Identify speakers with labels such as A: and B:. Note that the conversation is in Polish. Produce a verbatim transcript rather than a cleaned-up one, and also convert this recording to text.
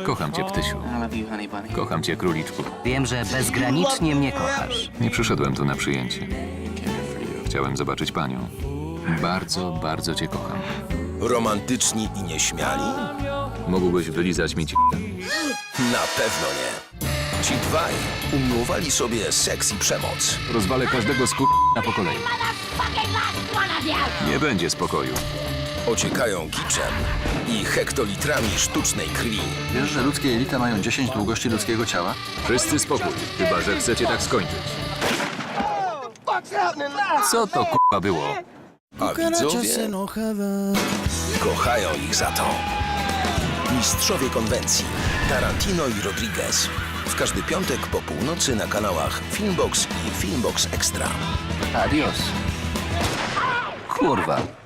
A: Kocham cię, ptysiu.
B: I love you, honey bunny.
A: Kocham cię, króliczku.
C: Wiem, że bezgranicznie mnie kochasz.
A: Nie przyszedłem tu na przyjęcie. Chciałem zobaczyć panią. Bardzo, bardzo cię kocham.
D: Romantyczni i nieśmiali?
A: Mógłbyś wylizać mi ci...
D: Na pewno nie. Ci dwaj umiłowali sobie seks i przemoc.
A: Rozwalę każdego z na po kolei. Nie będzie spokoju.
D: Ociekają kiczem i hektolitrami sztucznej krwi.
E: Wiesz, że ludzkie jelita mają dziesięć długości ludzkiego ciała?
A: Wszyscy spokój, chyba że chcecie tak skończyć. Co to k***a było?
D: A widzowie kochają ich za to. Mistrzowie konwencji Tarantino i Rodriguez. W każdy piątek po północy na kanałach Filmbox i Filmbox Extra.
C: Adios. Kurwa.